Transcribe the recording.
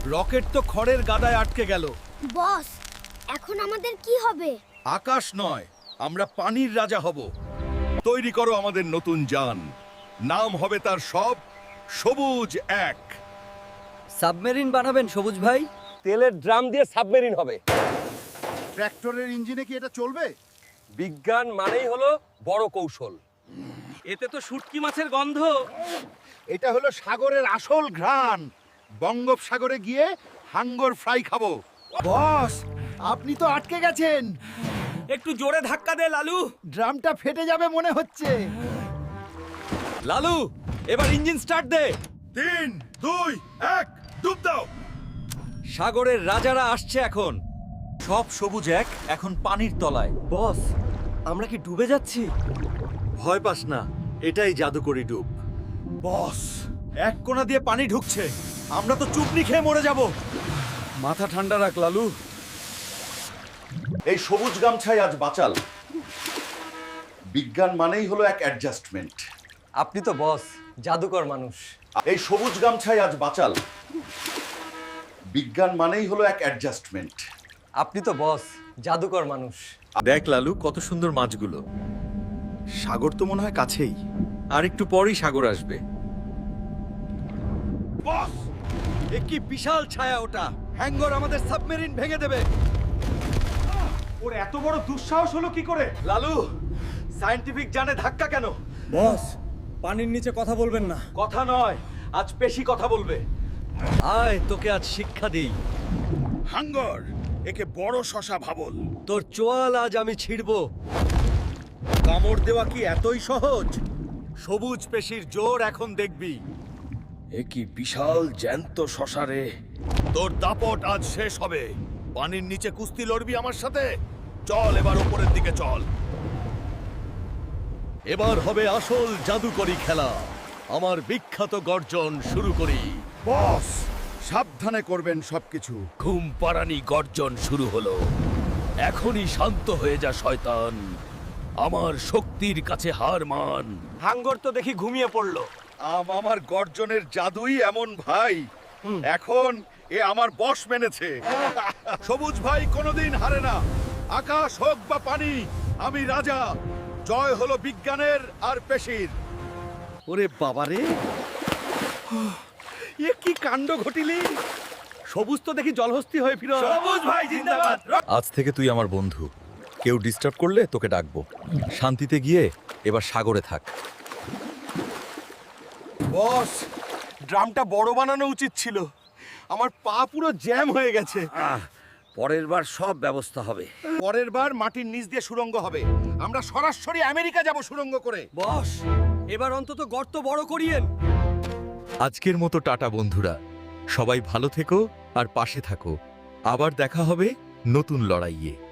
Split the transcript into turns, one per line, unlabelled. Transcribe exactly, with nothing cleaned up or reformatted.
Rocket তো খড়ের গাদায় আটকে গেল।
বস, এখন আমাদের কি হবে?
আকাশ নয়, আমরা পানির রাজা হব। তৈরি করো আমাদের নতুন যান। নাম হবে তার সব সবুজ এক।
সাবমেরিন বানাবেন সবুজ ভাই?
তেলের ড্রাম দিয়ে সাবমেরিন হবে।
ট্র্যাক্টরের ইঞ্জিনে কি এটা চলবে?
বিজ্ঞান মানেই হলো বড় কৌশল।
এতে তো শুটকি মাছের গন্ধ।
এটা হলো সাগরের আসল ঘ্রাণ। বঙ্গোপসাগরে গিয়ে হাঙ্গর ফ্রাই খাবো। বস, আপনি তো আটকে গেছেন।
একটু জোরে ধাক্কা দে লালু।
ড্রামটা ফেটে যাবে মনে হচ্ছে।
লালু, এবার ইঞ্জিন স্টার্ট দে।
তিন দুই এক, ডুব দাও।
সাগরের রাজারা আসছে এখন।
সব সবুজ এক এখন পানির তলায়।
বস, আমরা কি ডুবে যাচ্ছি?
ভয় পাস না, এটাই জাদুকরি ডুব। বস, এক কোণা দিয়ে পানি ঢুকছে। আমরা তো চুপনি খেয়ে মরে যাব।
মাথা ঠান্ডা রাখ লালু।
এই সবুজ গামছাই আজ বাঁচাল। বিজ্ঞান মানেই হলো এক অ্যাডজাস্টমেন্ট।
আপনি তো বস, জাদুকর মানুষ।
এই সবুজ গামছাই আজ বাঁচাল। বিজ্ঞান মানেই হলো এক অ্যাডজাস্টমেন্ট।
আপনি তো বস, জাদুকর মানুষ।
দেখ লালু, কত সুন্দর মাছগুলো। সাগর তো মনে হয় কাছেই। আর একটু পরেই সাগর আসবে। বস, এ কি বিশাল ছায়া ওটা! হ্যাঙ্গর আমাদের সাবমেরিন ভেঙে দেবে। ওর এত বড় দুঃসাহস হলো কি করে? লালু, সায়েন্টিফিক জানে ধাক্কা কেন?
বস, পানির নিচে কথা বলবেন না।
কথা নয়, আজ পেশি কথা বলবে।
আয়, তোকে আজ শিক্ষা দিই।
হাঙ্গর, একে বড় শশা ভাবল।
তোর চোয়াল আজ আমি ছিড়বো।
কামড় দেওয়া কি এতই সহজ? সবুজ পেশির জোর এখন দেখবি। এ কি বিশাল জ্যান্ত শশারে! তোর দাপট আজ শেষ হবে। পানির নিচে কুস্তি লড়বি আমার সাথে? চল এবার উপরের দিকে চল। এবার হবে আসল জাদুকরি খেলা। আমার বিখ্যাত গর্জন শুরু করি।
বস, সাবধানে করবেন সবকিছু।
ঘুম পাড়ানি গর্জন শুরু হলো। এখনই শান্ত হয়ে যা শয়তান। আমার শক্তির কাছে হার মান।
হাঙ্গর তো দেখি ঘুমিয়ে পড়লো।
আম আমার গর্জনের জাদুই এমন ভাই। এখন এ আমার বশ মেনেছে। সবুজ ভাই কোনোদিন হারে না। আকাশ হোক বা পানি, আমি রাজা। জয় হলো বিজ্ঞানের আর পেশির। ওরে বাবারে, এ কি কাণ্ড ঘটিলি! সবুজ তো দেখি জলহস্তি হয়ে ফিরো। সবুজ ভাই জিন্দাবাদ।
আজ থেকে তুই আমার বন্ধু। কেউ ডিস্টার্ব করলে তোকে ডাকবো। শান্তিতে গিয়ে এবার সাগরে থাক।
বস, ড্রামটা বড় বানানো উচিত ছিল। আমার পা পুরো জ্যাম হয়ে গেছে।
পরের বার সব ব্যবস্থা হবে।
পরের বার মাটির নিচ দিয়ে সুড়ঙ্গ হবে। আমরা সরাসরি আমেরিকা যাব সুড়ঙ্গ করে।
বস, এবার অন্তত গর্ত বড় করিয়েন।
আজকের মতো টাটা বন্ধুরা। সবাই ভালো থেকো আর পাশে থাকো। আবার দেখা হবে নতুন লড়াইয়ে।